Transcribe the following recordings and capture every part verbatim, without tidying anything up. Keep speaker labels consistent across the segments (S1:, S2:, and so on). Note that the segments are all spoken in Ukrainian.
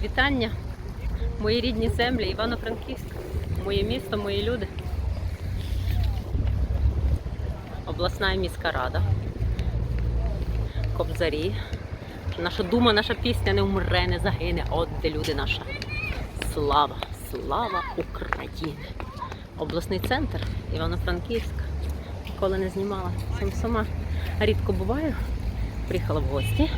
S1: Вітання, мої рідні землі, Івано-Франківськ, моє місто, мої люди. Обласна і міська рада, Кобзарі. Наша дума, наша пісня не вмре, не загине. От де люди наша. Слава, слава України. Обласний центр, Івано-Франківськ. Ніколи не знімала. Сам сама рідко буваю. Приїхала в гості.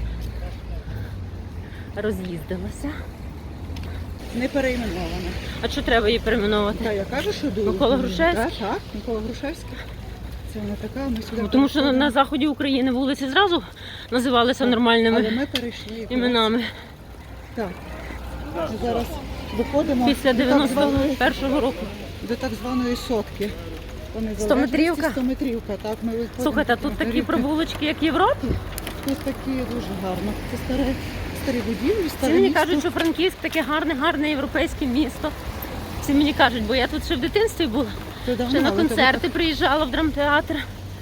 S1: Роз'їздилася.
S2: Не перейменована.
S1: А що треба її перейменувати?
S2: Та я кажу, що дуже.
S1: Микола Грушевський?
S2: Так, так, Микола Грушевський. Це вона така, ми сюди.
S1: Ну, тому що на заході України вулиці зразу називалися нормальними
S2: Але ми перейшли
S1: іменами.
S2: Так. Ми зараз виходимо
S1: Після
S2: до так
S1: дев'яносто
S2: званої,
S1: першого року.
S2: до так званої сотки.
S1: Стометрівка?
S2: Стометрівка, так. Ми виходимо.
S1: Слухайте, а тут такі
S2: Горівки.
S1: провулочки, як в Європі?
S2: Тут такі дуже гарно. Це старе, старі будівлі,
S1: Всі
S2: старе
S1: мені
S2: місто.
S1: кажуть, що Франківськ таке гарне, гарне європейське місто. Всі мені кажуть, бо я тут ще в дитинстві була.
S2: Це давно,
S1: Ще на
S2: але
S1: концерти приїжджала в драмтеатр.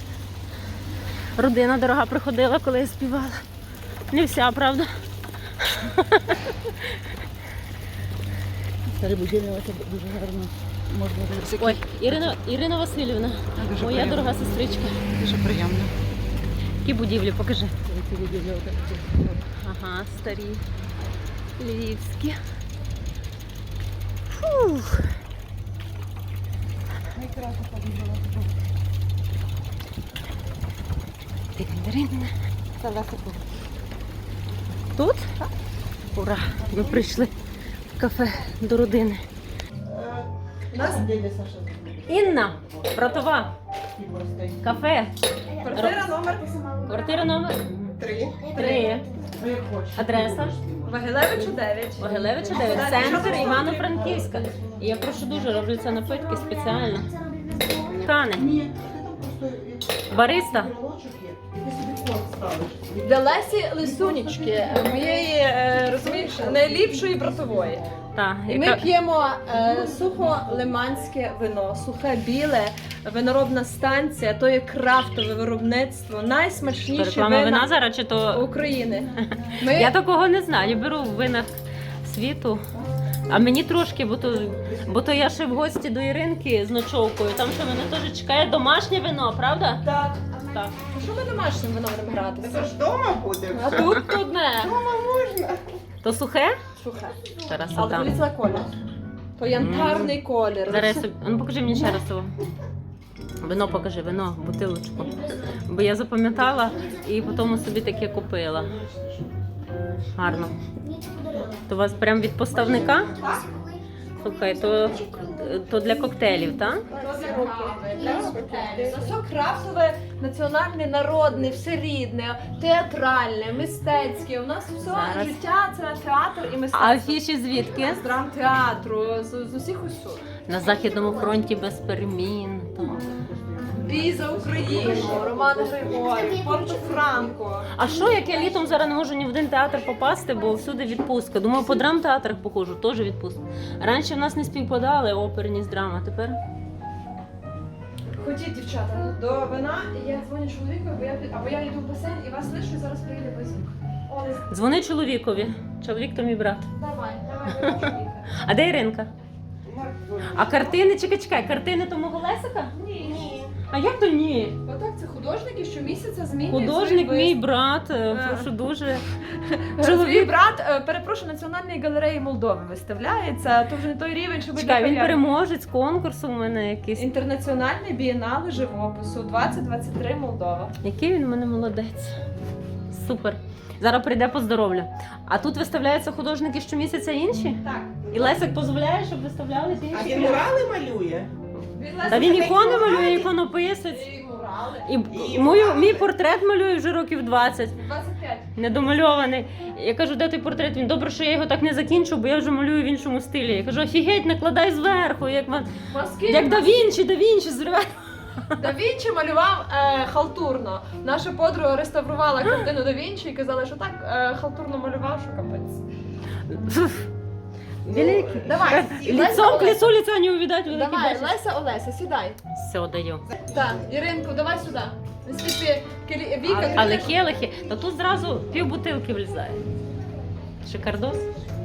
S1: Родина дорога приходила, коли я співала. Не вся, правда?
S2: Старі будівлі, це дуже гарно. Можна дивитися.
S1: Ой, Ірина, Ірина Васильівна,
S2: Дуже
S1: моя
S2: приємно.
S1: дорога сестричка.
S2: Дуже приємно.
S1: Які будівлі, покажи.
S2: Ці будівлі отак.
S1: Ага, старі, львівські. Фух.
S2: Найкраще подивила.
S1: Тирин-тирин.
S2: Це Лесико.
S1: Тут? Ура! Ми прийшли в кафе до родини.
S2: У нас дядя Саша.
S1: Інна, братова, кафе.
S3: Квартира номер
S1: Квартира номер
S2: Три.
S1: три. Адреса
S3: Вагилевичу дев'ять.
S1: Вагилевича дев'ять. Центр Івано-Франківська. І я прошу дуже, роблю це напитки спеціально. Кане.
S2: Ні, ти там просто
S1: Бариста.
S2: брелочок є, і ти собі код ставиш.
S3: Для Лесі Лисунічки, моєї, е, розумієш, найліпшої братової.
S1: Та,
S3: І ми
S1: яка...
S3: п'ємо е, сухо-лиманське вино, сухе біле, виноробна станція, то є крафтове виробництво, найсмачніші
S1: Реклама вина
S3: вина
S1: зараз чи то...
S3: України. Ми...
S1: Я такого не знаю, я беру в винах світу. А мені трошки, бо то, бо то я ще в гості до Іринки з ночовкою. Там що мене теж чекає домашнє вино, правда?
S3: Так.
S1: Так.
S3: А що ми домашнім вином будемо гратися?
S2: Це ж вдома буде.
S3: А тут одне.
S2: Вдома можна.
S1: То сухе?
S3: Сухе.
S1: Зараз
S3: Але
S1: там.
S3: дивіться колір. То янтарний колір.
S1: Зараз я собі... Ну покажи мені ще раз того. Вино покажи, вино, бутилочку. Бо я запам'ятала і потім собі таке купила. Гарно. То у вас прям від поставника? Слухай, то, то для коктейлів, так?
S3: Все крафтове, національне, народне, все рідне, театральне, мистецьке. У нас все
S1: Зараз.
S3: життя це театр і
S1: А
S3: мистецтво.
S1: афіші звідки?
S3: З драмтеатру, з, з усіх усюд.
S1: На Західному фронті без перемін. Там.
S3: Бій за Україну, Роман Григорій, Порто Франко.
S1: А що, як я літом зараз не можу ні в один театр попасти, бо всюди відпустка. Думаю, по драмтеатрах походжу, теж відпустка. Раніше в нас не співпадали оперні з драма, тепер?
S3: Ходіть, дівчата, до вина, і я дзвоню чоловіку, або я, або я йду в басейн і вас лишу, і зараз приїде безвук. Олесь,
S1: Дзвони чоловікові. Чоловік то мій брат.
S3: давай, давай, ми чоловіка.
S1: А де Іринка? А картини, чекай, чекай, картини то мого Лесика?
S3: Ні, ні.
S1: А як то ні?
S3: Отак, це художники щомісяця змінюють.
S1: Художник
S3: свій
S1: мій
S3: виставки.
S1: брат, е,
S3: А.
S1: прошу дуже.
S3: Свій
S1: Чоловік.
S3: брат, е, перепрошую, Національної галереї Молдови виставляється. То вже не той рівень, щоб
S1: Чекай, він
S3: для
S1: переможець конкурсу у мене якийсь.
S3: Інтернаціональний бієнале живопису двадцять двадцять три Молдова.
S1: Який він у мене молодець. Супер. Зараз прийде поздоровлю. А тут виставляються художники щомісяця інші?
S3: Так.
S1: І Лесик дозволяє, щоб виставлялися
S2: А
S1: інші?
S2: він мурали малює?
S1: Та він ікони малює, іконописець.
S3: І мурали.
S1: І мою, мій портрет малює вже років двадцять.
S3: двадцять п'ять.
S1: Недомальований. Я кажу, де той портрет? Він, добре, що я його так не закінчу, бо я вже малюю в іншому стилі. Я кажу, офігеть, накладай зверху, як, ва-
S3: Маски.
S1: як да Вінчі, да Вінчі, зривай.
S3: Да Вінчі малював е, халтурно. Наша подруга реставрувала картину Да Вінчі і казала, що так е, халтурно малював, що капець.
S1: Великий.
S3: Давай,
S1: Лицом к лицу лица не увидать, великий
S3: Давай,
S1: бачиш.
S3: Леся, Олеся, сідай.
S1: Все, даю.
S3: Так, Іринку, давай сюди. Наскільки Віка,
S1: Але келихи, та тут зразу пів бутилки влізає. Шикардос.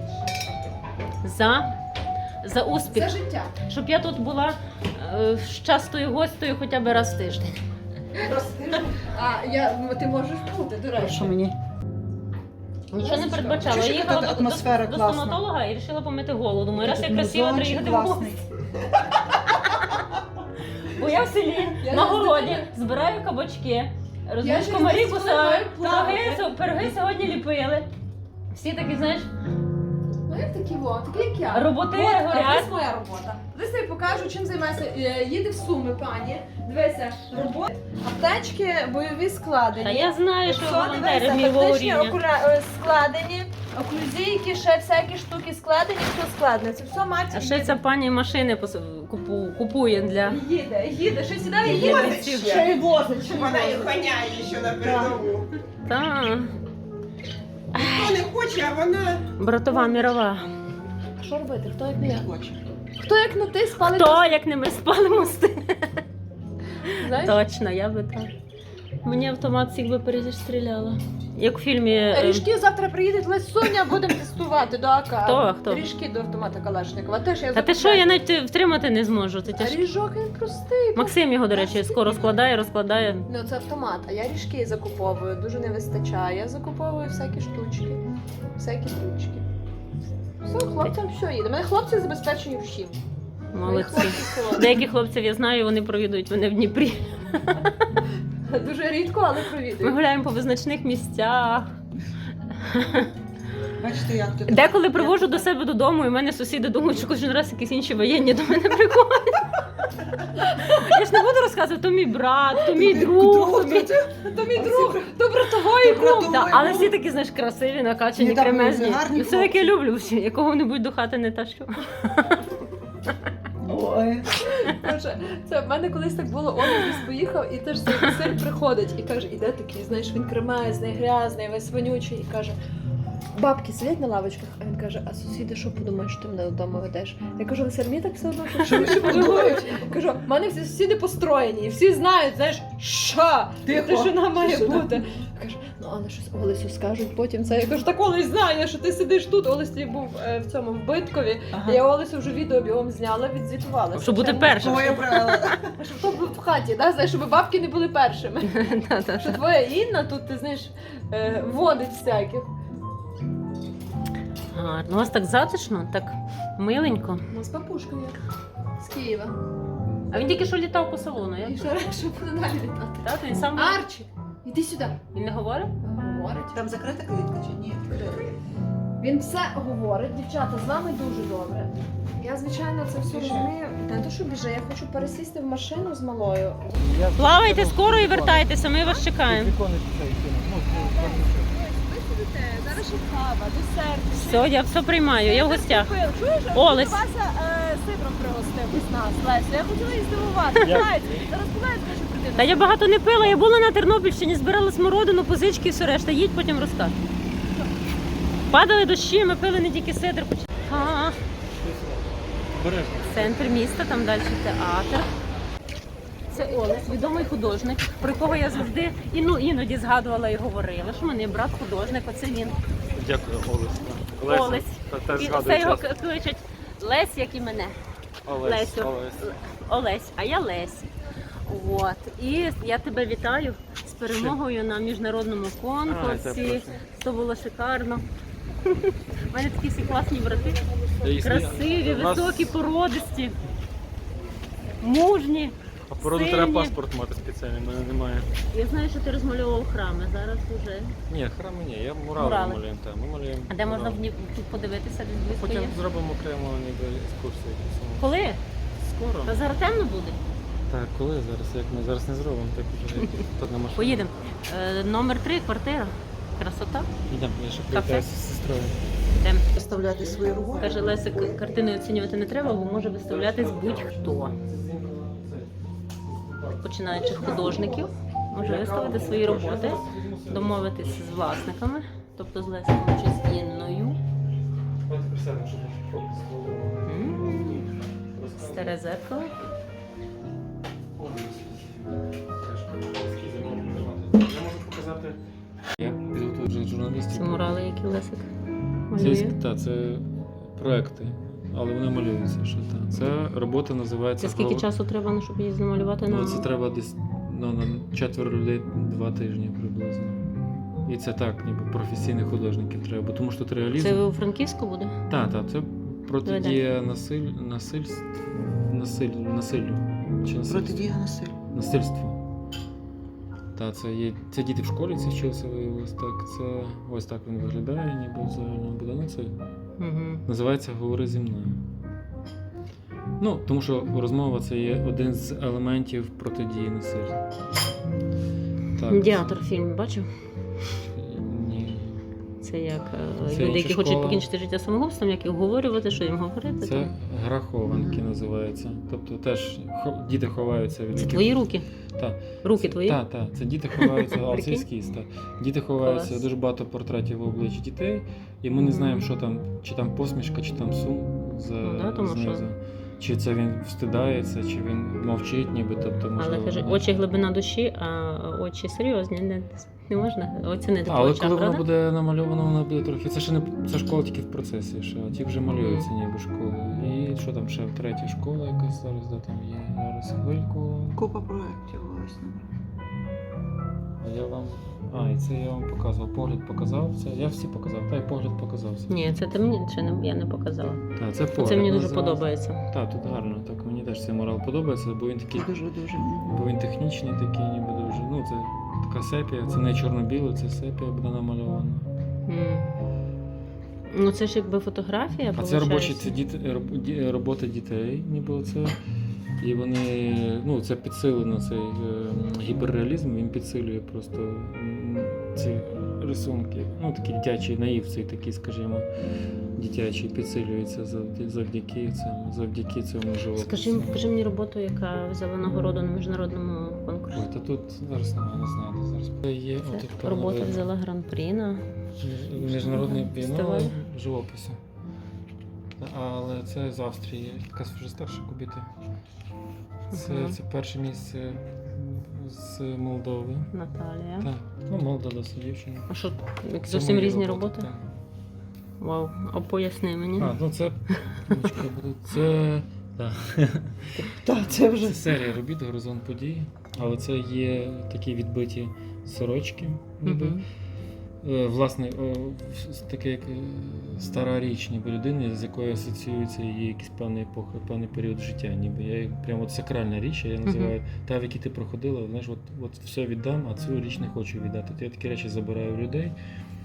S1: За, за успіх.
S3: За життя.
S1: Щоб я тут була е, частою гостею хоча б раз в тиждень.
S3: А я, ти можеш бути, до речі.
S2: Що мені?
S1: Нічого не передбачала.
S2: Чуєш,
S1: Я
S2: яка
S1: їхала до,
S2: атмосфера
S1: до, до
S2: класна?
S1: стоматолога і вирішила помити голову. Думаю, раз я
S2: Тут
S1: красива, то
S2: музончик
S1: їхати в гості.
S2: класний.
S1: Бо я в селі,
S3: Я
S1: на
S3: не
S1: городі,
S3: знаю.
S1: збираю кабачки,
S3: Я
S1: розумієш,
S3: ще
S1: комарі
S3: не
S1: кусаю,
S3: знаю,
S1: пироги,
S3: плавати.
S1: со- пироги сьогодні ліпили. Всі такі, знаєш,
S3: Ну як такі во, такі як я.
S1: роботи
S3: От, а
S1: горять.
S3: ось моя робота. Дивися, я покажу, чим займаюся. Е, Їде в Суми, пані. Дивися, робота. Аптечки бойові складені.
S1: Та я знаю, що
S3: Все,
S1: волонтери
S3: дивися,
S1: бойового
S3: тактичні
S1: рівня.
S3: окуля- е, складені, оклюзійки, ще всякі штуки складені, все складне. Це все мать
S1: А ще ця пані машини пос- купу- купує для...
S3: їде, їде, ще сідає,
S1: Їде.
S3: їде.
S2: Ще й возить.
S4: Щоб вона їх ганяє ще на передову.
S1: Та,
S4: Ніхто не хоче, а вона
S1: братова мірова.
S3: Що робити? Хто як не я?
S2: Хоче.
S3: Хто як не ти спали?
S1: Хто, як не ми спали мости?
S3: Знаєш?
S1: Точно, я би так. Мені автомат всіх би перестріляла. Як в фільмі... е,
S3: Ріжки завтра приїдуть Лесуня, будемо тестувати до АК.
S1: Хто? Хто?
S3: Ріжки до автомата Калашникова. Теж я
S1: Та ти що,
S3: закупляю.
S1: я навіть втримати не зможу. Це
S3: А
S1: тяжко.
S3: ріжок він простий.
S1: Максим його, до речі, скоро складає, розкладає.
S3: Ну це автомат, а я ріжки закуповую, дуже не вистачає. Я закуповую всякі штучки, всякі штучки. Все, хлопцям все їде. Мене хлопці забезпечені всім. Мої
S1: Молодці.
S3: хлопці холодні.
S1: Деяких хлопців я знаю, вони провідують мене в Дніпрі.
S3: Дуже рідко, але
S1: Ми
S3: провідують.
S1: гуляємо по визначних місцях.
S2: Бачите, як тут.
S1: Деколи привожу до себе додому, і в мене сусіди думають, що кожен раз якісь інші воєнні до мене приходять. Я ж не буду розказувати, то мій брат, то мій друг, то мій...
S3: То мій друг, то братової клуб.
S1: Да, але всі такі, знаєш, красиві, накачані,
S2: Ні, там
S1: кремезні.
S2: гарні
S1: І все таки
S2: хлопці.
S1: люблю всі, якого-небудь до хати не тащу.
S2: Ой.
S3: Каже, це в мене колись так було, Олег десь поїхав і теж цей сир приходить і каже, іде такий, знаєш, він кремезний, грязний, весь вонючий, і каже, бабки сидять на лавочках, а він каже, а сусіди що подумають, що ти мене додому ведеш? Я кажу, Василь, мені так все одно, що вони подумають. Кажу, в мене всі сусіди построєні, і всі знають, знаєш, що
S2: Тихо.
S3: тишина має
S2: Тишина.
S3: бути. Каже, ну але щось Олесю скажуть потім це. Я кажу, так Олесь знає, що ти сидиш тут. Олесь тоді був е, в цьому в Биткові.
S2: Ага.
S3: Я Олесю вже відео бігом зняла, відзвітувала.
S1: Щоб бути
S3: Звичайно.
S1: першим.
S2: Твоє правило.
S3: Щоб хто був в хаті, да? Знаєш, щоб бабки не були першими.
S1: Та-та-та.
S3: Що твоя Інна тут, ти знаєш, е, водить всяких.
S1: Гарно. У вас так затишно, так миленько.
S3: Ну, з папушкою. З Києва.
S1: А він тільки що літав по салону.
S3: І
S1: Як?
S3: що що буде далі літати?
S1: Так, він сам
S3: Арчі, іди сюди.
S1: він не говорить?
S3: Говорить.
S2: Там закрита клітка чи ні?
S3: Він все говорить, дівчата, з вами дуже добре. Я, звичайно, це все розумію. Не то, що біже, я хочу пересісти в машину з малою.
S1: Плавайте скоро і вертайтеся, ми вас чекаємо.
S3: Ви сидите, зараз ще кава, десерт.
S1: Все, я все приймаю, я в гостях.
S3: Чуєш?
S1: Олесь.
S3: Вася е, сидром пригостив із нас, Лесю. Я хотіла її здивувати. Знаєте, зараз Пилець може прийти.
S1: Та я багато не пила, я була на Тернопільщині, збирала смородину, позички і все решта. Їдь, потім розкажу. Падали дощі, ми пили не тільки сидр. А, центр міста, там далі театр. Це Олесь, відомий художник, про якого я завжди і, ну, іноді згадувала і говорила, що в мене є брат художник, оце він.
S5: Дякую, Олесь.
S1: Олесь.
S5: Та, теж
S1: І
S5: згадую
S1: все його
S5: часто.
S1: кличуть Лесь, як і мене.
S5: Олесь,
S1: Лесю.
S5: Олесь.
S1: Олесь, а я Лесь. От. І я тебе вітаю з перемогою на міжнародному
S5: А,
S1: конкурсі.
S5: дякую.
S1: Це було шикарно. У мене такі всі класні брати.
S5: Я їх
S1: Красиві,
S5: У нас-
S1: високі, породисті, мужні.
S5: А породу
S1: сині.
S5: треба паспорт мати спеціальний, в мене немає.
S1: Я знаю, що ти розмальовував храми. Зараз вже.
S5: Ні, храми ні, я мурали
S1: Мурали.
S5: малюємо. Та, ми малюємо.
S1: А де можна
S5: мурали.
S1: в Дніп- тут подивитися, десь близько
S5: Потім
S1: є?
S5: зробимо окремо ніби екскурсію. якусь.
S1: Коли?
S5: Скоро.
S1: Та зараз темно буде.
S5: Так, коли зараз? Як ми зараз не зробимо, так вже тут на машині.
S1: Поїдемо. Е, номер три, квартира. Красота.
S5: Йдемо, я ще
S1: Кафе.
S5: привітаюся з сестрою.
S1: Йдемо.
S2: Виставляти свої роботи.
S1: Каже Лесик, картини оцінювати не треба, бо може виставлятись будь-хто. Починаючи художників, може виставити свої роботи, домовитись з власниками, тобто з Лесиком чи з Інною. М, Старе зеркало.
S5: Я можу показати. Я підготую вже журналістів.
S1: Ці мурали, які Лесик
S5: Це,
S1: Малює.
S5: та, це проекти, але вони малюються. Що, та. Це робота називається.
S1: Це скільки
S5: «Гол-
S1: часу треба, ну, щоб її намалювати на
S5: Ну, це треба десь ну, на четверо людей два тижні приблизно. І це так, ніби професійних художників треба, бо тому що тут реалізм.
S1: Це у Франківську буде?
S5: Так, так, це протидія насиль... насильств... насиль... насиллю. Чи насильству?
S2: Протидія насилля.
S5: Насильству. Та, це є. Це діти в школі це вчилися виявилось так. Це ось так він виглядає, ніби в загальному буде. Ну, це
S1: Угу.
S5: називається Говори зі мною. Ну, тому що розмова це є один з елементів протидії насиллю. Так.
S1: Медіатор фільм бачив?
S5: Ні.
S1: Це як е,
S5: Це
S1: люди,
S5: інша
S1: які хочуть
S5: школа.
S1: покінчити життя самогубством, як їх говорювати, що їм говорити.
S5: Це
S1: там.
S5: гра хованки називається. Тобто теж хо- діти ховаються від
S1: Це
S5: яких-
S1: твої руки?
S5: Так.
S1: Руки твої?
S5: Так, так. Це діти ховаються, а це
S1: Прикинь?
S5: ескіз, так. Діти ховаються,
S1: Клас.
S5: дуже багато портретів в обличчі дітей, і ми не
S1: Мгм.
S5: знаємо, що там, чи там посмішка, чи там сум за
S1: Ну да, тому
S5: знизу.
S1: що-
S5: Чи це він встидається, чи він мовчить, ніби, тобто, можливо.
S1: Але каже, очі глибина душі, а очі серйозні, не, не можна оцінити
S5: Та,
S1: по
S5: але
S1: очах,
S5: коли воно
S1: правда?
S5: буде намальовано, воно буде трохи. Це ще не це школа тільки в процесі, ще, а ті вже малюються ніби школи. І що там ще третя школа якась зараз, де там є. Зараз хвильку.
S2: Купа проєктів ось.
S5: А я вам. А, і це я вам показував. Погляд показав. Це я всі показав, та й погляд показав. Все.
S1: Ні, це ти мені ще не, я не показала.
S5: Та, це погляд.
S1: Це мені дуже
S5: називається.
S1: подобається.
S5: Так, тут гарно. Так, мені теж цей мурал подобається, бо він такий,
S2: Дуже-дуже.
S5: бо він технічний, такий, ніби дуже. Ну, це така сепія, це не чорно-біле, це сепія буде намальована.
S1: М. Ну це ж якби фотографія,
S5: А це робочі
S1: получається.
S5: це діти, роб- ді- роботи дітей, ніби оце. І вони, ну, це підсилено, цей е, гіперреалізм, він підсилює просто м, ці рисунки. Ну, такий дитячий наїв, цей такий, скажімо, дитячий підсилюється завдяки, завдяки цьому, завдяки цьому живопису.
S1: Скажи, покажи мені роботу, яка взяла нагороду на міжнародному конкурсі.
S5: Ой, та тут зараз немає, не знаю, де зараз. Це є
S1: Це
S5: отут, певно,
S1: робота
S5: видно.
S1: взяла гран-прі на
S5: Між- Міжнародний
S1: Фестиваль.
S5: бієнале живопису. Але це з Австрії, якась вже старша кубіта. Це,
S1: Ага.
S5: це перше місце з Молдови.
S1: Наталія.
S5: Так, ну молода досить дівчина.
S1: А що, як
S5: Це
S1: зовсім
S5: мої
S1: різні роботи?
S5: так.
S1: Вау, а поясни мені.
S5: А, ну це ручка буде. Це, так.
S2: Так, це вже.
S5: Це серія робіт Горизонт подій, але це є такі відбиті сорочки, ніби.
S1: Мгм.
S5: Е, Власне, о, в- таке як е, стара річ, ніби людини, з якою асоціюється її якийсь певний епоха, певний період життя. Ніби я її- прямо от сакральна річ, я називаю та, в якій ти проходила, знаєш, от, от все віддам, а цю річ не хочу віддати. То я такі речі забираю в людей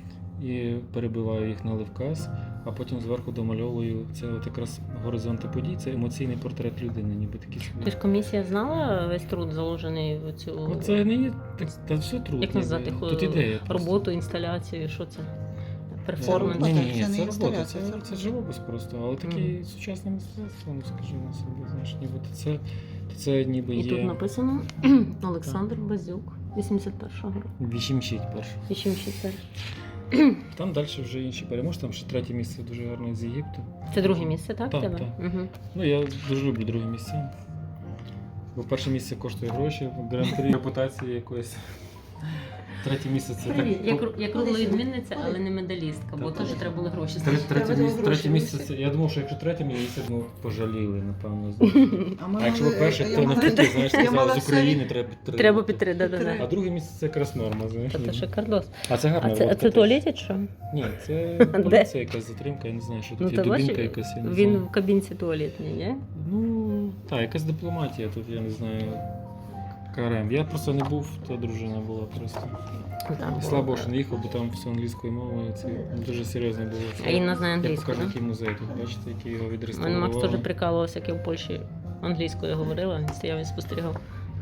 S5: і перебиваю їх на левказ, а потім зверху домальовую це от якраз горизонти подій, це емоційний портрет людини, ніби такий собі.
S1: Ти ж комісія знала весь труд заложений в цю
S5: Ну, це не є так, та все трудно.
S1: як назвати
S5: Тут ідея. просто.
S1: роботу, інсталяцію, що це? Перформанс.
S5: Ні, ні, ні,
S2: Це
S5: це
S2: не
S5: робота,
S2: інсталяція,
S5: це,
S2: це
S5: це живопис просто, але такий сучасне мистецтво, ну скажімо собі, знаєш, ніби то це, то це ніби
S1: І тут
S5: є
S1: написано Олександр Базюк, вісімдесят першого року.
S5: вісімчить перше.
S1: вісімдесят перший.
S5: Там далі вже інші переможці, там ще третє місце дуже гарне з Єгипту.
S1: Це друге місце, так?
S5: Так,
S1: в тебе?
S5: так.
S1: Угу.
S5: Ну я дуже люблю друге місце. Бо перше місце коштує гроші, гран-прі репутації якоїсь. Третє місце це так.
S1: Я, кру- я кругла відмінниця, але не медалістка, бо
S5: Так.
S1: теж треба було гроші.
S5: Третє, третє,
S2: Треба
S5: місце,
S2: гроші
S5: третє місце
S2: вирішити.
S5: це. Я думав, що якщо третє місце, ну пожаліли, напевно.
S2: ми
S5: А якщо ви
S2: мали-
S5: перше,
S2: я
S5: то
S2: мала-
S5: навпаки, знаєш,
S2: я
S5: сказали,
S2: мала
S5: з України
S2: все-
S5: треба підтримати.
S1: Треба підтримати, да, да,
S5: А
S1: да.
S5: друге місце це якраз норма, знаєш.
S1: Та це
S5: ніби.
S1: шикардос.
S5: А це гарна
S1: А це, а
S5: лодка
S1: це
S5: теж.
S1: туалетять що?
S5: Ні, це
S1: Де?
S5: поліція якась затримка, я не знаю, що
S1: Ну
S5: тут
S1: ти
S5: є
S1: бачиш,
S5: дубінка якась, я не
S1: він
S5: знаю.
S1: в кабінці туалетній, ні?
S5: Ну, так, якась дипломатія тут, я не знаю. КРМ. Я просто не був, то дружина була просто.
S1: Там
S5: І слава Богу, що не їхав, бо там все англійською мовою. Це дуже серйозно було.
S1: А Інна знає
S5: Я
S1: англійську,
S5: покажу,
S1: да?
S5: який музей тут, бачите, який його
S1: У мене
S5: відреставрували.
S1: Макс теж прикалувався, як я в Польщі англійською говорила, він стояв і спостерігав.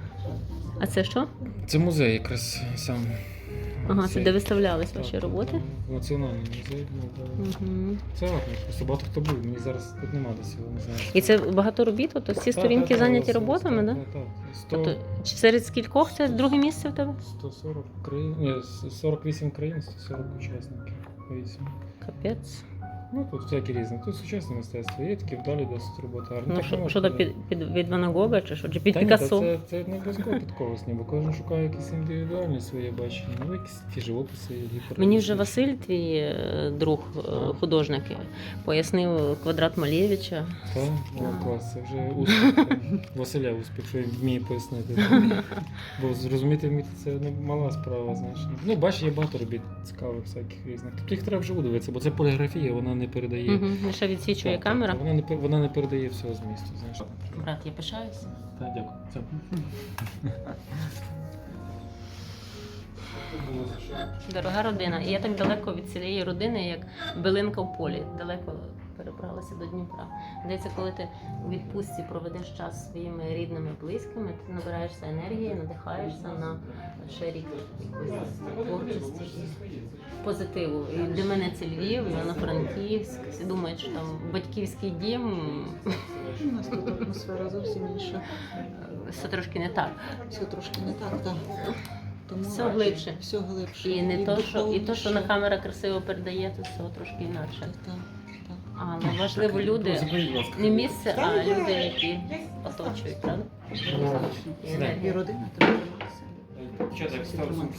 S1: А це що?
S5: Це музей якраз сам.
S1: Ага, це
S5: Цей.
S1: де виставлялись
S5: Так,
S1: ваші
S5: так,
S1: роботи?
S5: так. Національний музей. Молдови.
S1: Угу.
S5: Це гарно, просто багато хто був, мені зараз тут нема десь його, не знаю.
S1: І це багато робіт, тобто всі
S5: Так,
S1: сторінки
S5: так,
S1: зайняті
S5: так,
S1: роботами,
S5: так,
S1: так?
S5: так, так. сто,
S1: Тобто чи серед скількох це друге місце в тебе?
S5: сто сорок країн, ні, сорок вісім країн, сто сорок учасників. вісім.
S1: Капець.
S5: Ну, тут всякі різні. Тут сучасне мистецтво, є такі вдалі досить роботи гарні.
S1: Ну,
S5: Так
S1: що,
S5: не
S1: що
S5: можна
S1: то під, під, від Ван Гога чи що? Чи під
S5: Та ні,
S1: Пікассо?
S5: та це, це не обов'язково під когось, ні, бо кожен шукає якісь індивідуальні свої бачення. Ну, якісь ті живописи, гіпер.
S1: Мені вже Василь, твій е, друг, е, художник, пояснив квадрат Малєвича.
S5: Так, о, клас, це вже успіх. Василя успіх, що він вміє пояснити. Бо зрозуміти вміти це не мала справа, знаєш. Ну, бачиш, є багато робіт цікавих, всяких різних. Тобто їх треба вживу дивитися, бо це поліграфія, вона не передає.
S1: Угу. Лише відсвічує
S5: Так,
S1: камера.
S5: так, Вона не пер- вона не передає всього змісту, знаєш.
S1: Брат, я пишаюсь.
S5: Так, дякую. Це.
S1: Дорога родина. І я так далеко від цієї родини, як билинка в полі. Далеко перебралася до Дніпра. Здається, коли ти у відпустці проведеш час зі своїми рідними, близькими, ти набираєшся енергії, надихаєшся на ще рік якоїсь творчості і позитиву. І для мене це Львів, Івано-Франківськ. Всі думають, що там батьківський дім.
S2: У нас тут атмосфера зовсім інша.
S1: Все трошки не так.
S2: Все трошки не так, так. Тому
S1: Все глибше.
S2: Все глибше.
S1: І не то, що, і то, що на
S2: духовніше.
S1: камера красиво передає, то все трошки інакше.
S2: Так, так.
S1: Але важливо люди, не місце, а люди, які оточують, правда? І
S2: І
S1: енергія.
S2: родина треба триматися.
S5: Що так став сумку?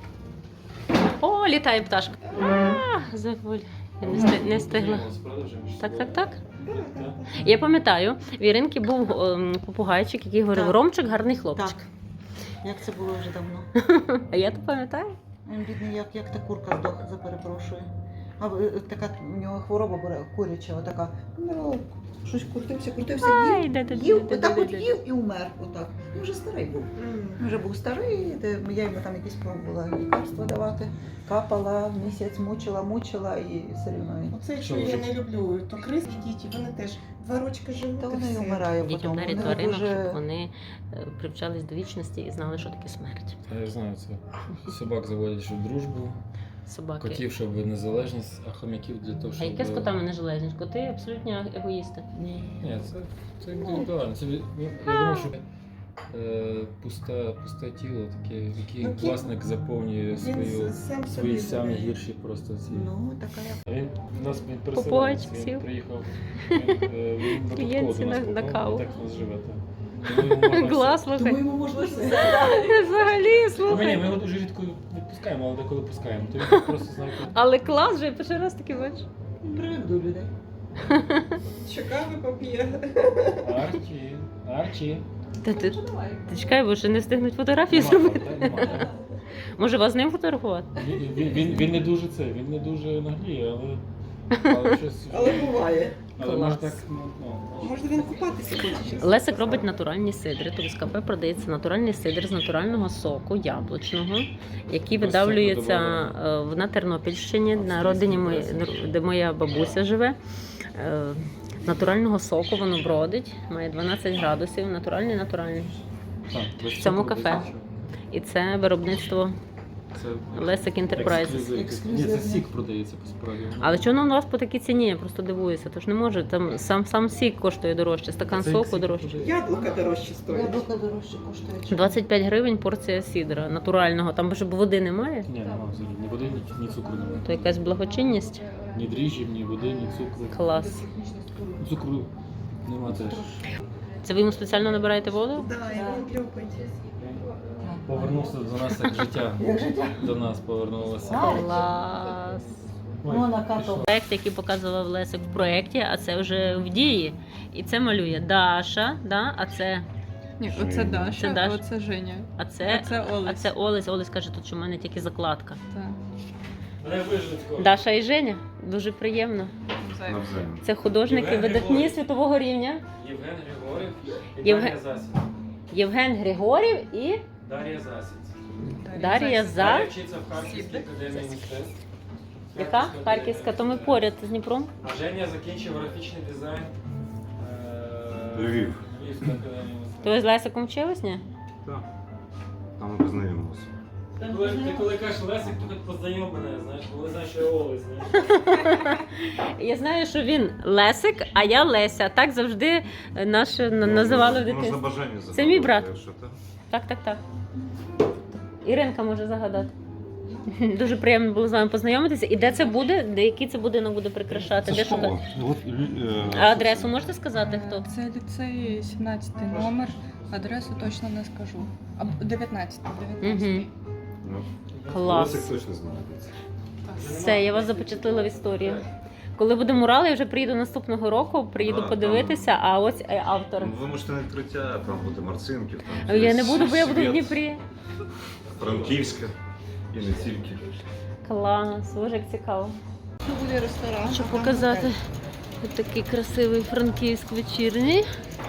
S1: О, літає пташка. А, забуль. Я не, сти- не встигла. Так, так, так. Я пам'ятаю, в Іринки був ем, попугайчик, який говорив:
S2: Так.
S1: Ромчик гарний хлопчик.
S2: Так. Як це було вже давно.
S1: А я то пам'ятаю.
S2: Він бідний, як, як та курка здох, за перепрошую. А е, така у нього хвороба була куряча, отака. Ну, щось крутився, крутився,
S1: Ай,
S2: їв,
S1: да-да-да-да-да-да-да.
S2: їв, отак от їв і умер. Отак. Він вже старий був. Він вже був старий, де я йому там якісь пробувала лікарства давати. Капала, місяць мучила, мучила і все рівно він.
S4: Оце, що я не люблю, то криски діти, вони теж два рочки живуть.
S2: Та
S4: і
S2: вона й
S4: все.
S2: вмирає
S1: Дітям
S2: потім.
S1: дарять
S2: Вони
S1: тваринок, щоб
S2: дуже...
S1: вони е, привчались до вічності і знали, що таке смерть.
S5: Я знаю це. Собак заводять, щоб дружбу,
S1: Собаки.
S5: котів, щоб незалежність, а хомяків для того,
S1: А
S5: щоб...
S1: яке з котами нежелезність? Коти абсолютно егоїсти.
S2: Ні.
S5: Ні, це, це індивідуально. Це, від- ну, я думаю, що е, пусте, пусте тіло, таке, яке
S4: Ну, кіт-
S5: власник заповнює
S4: Він
S5: свою,
S4: сам
S5: свої
S4: собі
S5: самі
S4: буде.
S5: гірші просто ці.
S2: Ну, така як.
S5: Він у нас він
S1: Попугайчик
S5: переселенець,
S1: сів.
S5: він приїхав, він, е, він випадково
S1: Клієнтці
S5: до нас
S1: на- на
S5: попав,
S1: каву.
S5: і так у нас живе. так. Тому йому можна
S1: Глаз,
S2: Тому
S1: слухай.
S2: йому можна все.
S1: Взагалі,
S5: все. Ну, ні, ми
S1: слухай.
S5: його дуже рідко відпускаємо, але деколи пускаємо. То він так просто знає, коли-
S1: Але клас вже, я перший раз таки бачу.
S2: Привик до людей.
S4: Що кави поп'є.
S5: Арчі, Арчі.
S1: Та ти, ти чекай, бо ще не встигнуть фотографії
S5: Нема,
S1: зробити.
S5: так, нема, так.
S1: Може, вас з ним фотографувати?
S5: Він, він, він, він не дуже це, він не дуже нагліє, але, але щось.
S4: Але буває.
S5: Але
S1: Клас.
S5: може так, ну, ну,
S4: Може він купатися хоче.
S1: Лесик робить натуральні сидри. Тобто в кафе продається натуральний сидр з натурального соку яблучного, який
S5: Без
S1: видавлюється
S5: цукру
S1: е, на Тернопільщині, на родині мої, де моя бабуся живе. Е, Натурального соку воно бродить, має дванадцять градусів, натуральний, натуральний.
S5: так, без
S1: В цьому
S5: цукру, без
S1: кафе.
S5: нічого.
S1: І це виробництво
S5: Це
S1: Лесик Enterprises.
S5: ексклюзив. Ні,
S2: Ексклюзивне.
S5: це сік продається по справі.
S1: Але чому воно у вас по такій ціні? Я просто дивуюся. Тож не може. Там сам сам сік коштує дорожче, стакан
S5: Це
S1: соку
S5: сік
S1: дорожче.
S5: продається.
S4: Яблука дорожче стоять.
S2: Яблука дорожче коштує.
S1: двадцять п'ять гривень порція сідра натурального. Там бо води немає.
S5: Ні, немає взагалі. Ні води, ні, ні цукру немає.
S1: То якась благочинність.
S5: Ні дріжджів, ні води, ні цукру.
S1: Клас.
S5: Цукру нема теж.
S1: Це ви йому спеціально набираєте воду?
S4: Да, і він любить.
S5: Повернувся до нас як життя. До нас повернулося.
S1: Клас.
S5: Ой,
S2: Ну, на
S5: пішла.
S2: кату.
S1: Проект, який показував Лесик в проєкті, а це вже в дії. І це малює Даша, да? а це,
S3: Ні, оце Даша,
S1: Це Даша.
S3: а оце Женя.
S1: а це,
S3: А це
S1: а
S3: Олесь.
S1: це Олесь. Олесь каже, тут що в мене тільки закладка.
S3: Так.
S5: Мене вижить скоро.
S1: Даша і Женя. Дуже приємно.
S3: Навзаєм.
S1: Це художники
S5: Євген
S1: видатні
S5: Григорій.
S1: світового рівня.
S5: Євген Григорів і
S1: Євген-
S5: Дар'я Засідь.
S1: Євген Григорів і
S5: Дар'я Засідь.
S1: Дар'я За.
S5: Дар'я вчиться в Харківській академії мистецтв.
S1: Яка? Харківська, то ми поряд з Дніпром.
S5: А Женя закінчив графічний дизайн. е,
S6: Львів.
S5: Львівська академія мистецтв.
S1: То ви з Лесиком вчились, ні?
S6: Так. Там ми познайомилися.
S5: Ти коли, ти коли кажеш Лесик, то хоч познайом мене, знаєш, бо вони знають, що я Олесь, знаєш.
S1: Я знаю, що він Лесик, а я Леся. Так завжди наше на- називали в
S6: Можна
S1: дитинстві.
S6: бажання загадати.
S1: Це мій брат.
S6: якщо так.
S1: Так, так, так. Іринка може загадати. Дуже приємно було з вами познайомитися. І де це буде? Де який це будинок буде прикрашати?
S6: Це
S1: Де
S6: школа.
S1: шукати?
S6: От, е,
S1: А адресу можете сказати, хто?
S7: Це ліцей сімнадцятий номер. Адресу точно не скажу. А дев'ятнадцятий. дев'ятнадцятий.
S1: Угу.
S6: Ну,
S1: Клас.
S6: Лосик точно знаходиться.
S1: Все, я вас запечатлила в історію. Коли буде мурал, я вже приїду наступного року, приїду
S6: А,
S1: подивитися, а ось е, автор.
S6: Ну, ви можете на відкриття, там буде Марцинків, там
S1: Я не
S6: десь
S1: буду, бо я буду в
S6: Світ,
S1: Дніпрі.
S6: Франківська і не тільки.
S1: Клас, боже, як цікаво.
S2: Тут буде ресторан.
S1: Щоб
S2: а там
S1: показати
S2: готель.
S1: ось такий красивий Франківськ вечірній.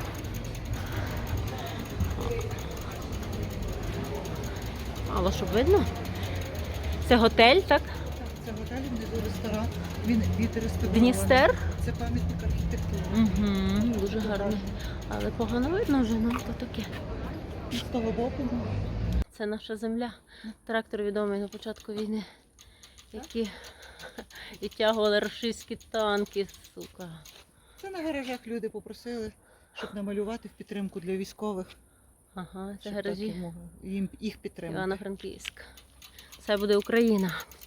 S1: Але щоб видно? Це готель, так?
S2: Так, це готель, внизу ресторан. Він відреставрований.
S1: Дністер?
S2: Це пам'ятник архітектури.
S1: Угу, дуже гарний. Але погано видно вже, ну то таке.
S2: І з того боку.
S1: Це наша земля. Трактор відомий на початку війни, які відтягували російські танки, сука.
S2: Це на гаражах люди попросили, щоб намалювати в підтримку для військових.
S1: Ага, це
S2: щоб
S1: гаражі
S2: так, їм- їх підтримати.
S1: Івано-Франківськ. Це буде Україна.